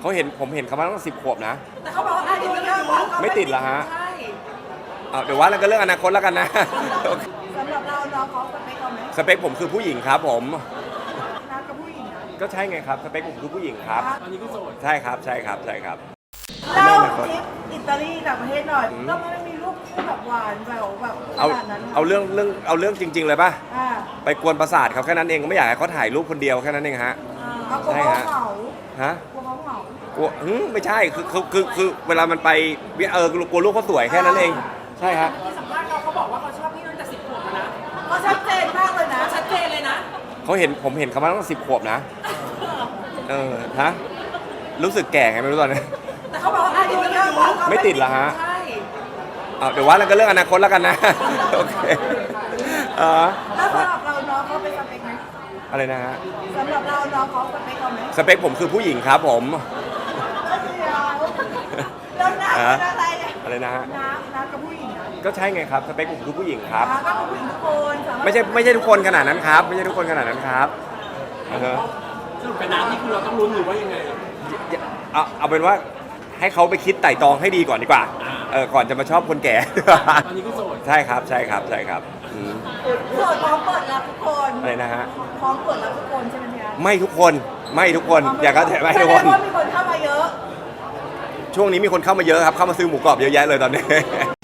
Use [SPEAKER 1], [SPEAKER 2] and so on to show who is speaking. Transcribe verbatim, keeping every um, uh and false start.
[SPEAKER 1] เขาเห็นผมเห็นเขามาตั้งสิบขวบนะ
[SPEAKER 2] แต่เขาบอกว่าอายุเยอะกว่า
[SPEAKER 1] ไม่ติดเหรอฮะ
[SPEAKER 2] ใช่
[SPEAKER 1] เอาเดี๋ยวว่าแล้วก็เรื่องอนาคตแล้วกันนะ
[SPEAKER 2] สำหรับเราน้องเขาสเปคเราไหม
[SPEAKER 1] สเปคผมคือผู้หญิงครับผม
[SPEAKER 2] นัดกับผู้หญิงนะ
[SPEAKER 1] ก็ใช่ไงครับสเปคผมคือผู้หญิงครับ
[SPEAKER 2] ตอนนี้ก็โสด
[SPEAKER 1] ใช่ครับใช่ครับใช่ครับ
[SPEAKER 2] เล่าทริปอิตาลีต่างประเทศหน่อยก็ไม่มีรูปคู่แบบหวานแบบแบบข
[SPEAKER 1] เอา
[SPEAKER 2] นาดนั้น
[SPEAKER 1] เอาเรื่องเรื่องเอาเรื่องจริง ๆ เลยป่ะ
[SPEAKER 2] อ่า
[SPEAKER 1] ไปกวนประสาทเขาแค่นั้นเองไม่อยากให้เขาถ่ายรูปคนเดียวแค่นั้นเองฮะ
[SPEAKER 2] เอากลัว
[SPEAKER 1] ใช่
[SPEAKER 2] เขา
[SPEAKER 1] ฮะ
[SPEAKER 2] เหงา
[SPEAKER 1] ฮะ
[SPEAKER 2] กลัวเขาเหงาก
[SPEAKER 1] ลัวหึไม่ใช่คือคือคือคือเวลามันไปเออกลัวรูปเขาสวยแค่นั้นเองใช่ฮะ
[SPEAKER 3] ที่สัมภาษณ์เราเขาบอกว่าเขาชอบพี่ตั้งแต่สิบขวบแล้วนะ
[SPEAKER 2] ก็ชัดเจนมากเลยนะ
[SPEAKER 3] ชัดเจนเลยนะ
[SPEAKER 1] เขาเห็นผมเห็นเขามาตั้งสิบขวบนะเออฮะรู้สึกแก่ไงไม่รู้ตอนนี้
[SPEAKER 2] แต่เขาบอกว่าอายุเยอะกว่า
[SPEAKER 1] ไม่ติดเหรอฮะ
[SPEAKER 2] ใช่
[SPEAKER 1] เอาเดี๋ยวว่าแล้วก็เรื่องอนาคตแล้วกันนะ โอเคเออ
[SPEAKER 2] แล้วสำหรับเราน้องเขาเป็นสเปคไหม
[SPEAKER 1] อะไรนะฮะ
[SPEAKER 2] สำหรับเราน้องเขาสเปคเราไหม
[SPEAKER 1] สเปคผมคือผู้หญิงครับผม
[SPEAKER 2] แล้วน้ำเป็นอะไรเนี่ย
[SPEAKER 1] อะไรนะฮะ
[SPEAKER 2] น้ำน้ำกับผู้หญิงนะ
[SPEAKER 1] ก็ใช่ไงครับสเปคผมคือผู้หญิงครับ
[SPEAKER 2] น้ำก็คือผู้หญิงทุกคนสาารถ
[SPEAKER 1] ไม่ใช่ไม่ใช่ทุกคนขนาดนั้นครับ ไม่ใช่ทุกคนขนาดนั้นครับอือฮะ
[SPEAKER 3] สรุปกับน้ำนี่คือเราต้องลุ้นหรือว่ายังไง
[SPEAKER 1] เอาเอาเป็นว่าให้เขาไปคิดไต่ตองให้ดีก่อนดีกว่าเออก่อนจะมาชอบคนแก่
[SPEAKER 3] ตอนนี้ก็โสด
[SPEAKER 1] ใช่ครับใช่ครับใช่ครับอืม
[SPEAKER 2] โสดพร้อมเปิดรับทุกคน
[SPEAKER 1] อะไรนะฮะ
[SPEAKER 2] พร้อมเปิดรับทุกคนใช่ไหมพี่อาร์ต
[SPEAKER 1] ไม่ทุกคนไม่ทุกคนอย่าก็แต่ไม่ทุกคน
[SPEAKER 2] แสดงว่ามีคนเข้ามาเยอะ
[SPEAKER 1] ช่วงนี้มีคนเข้ามาเยอะครับเข้ามาซื้อหมูกรอบเยอะแยะเลยตอนนี้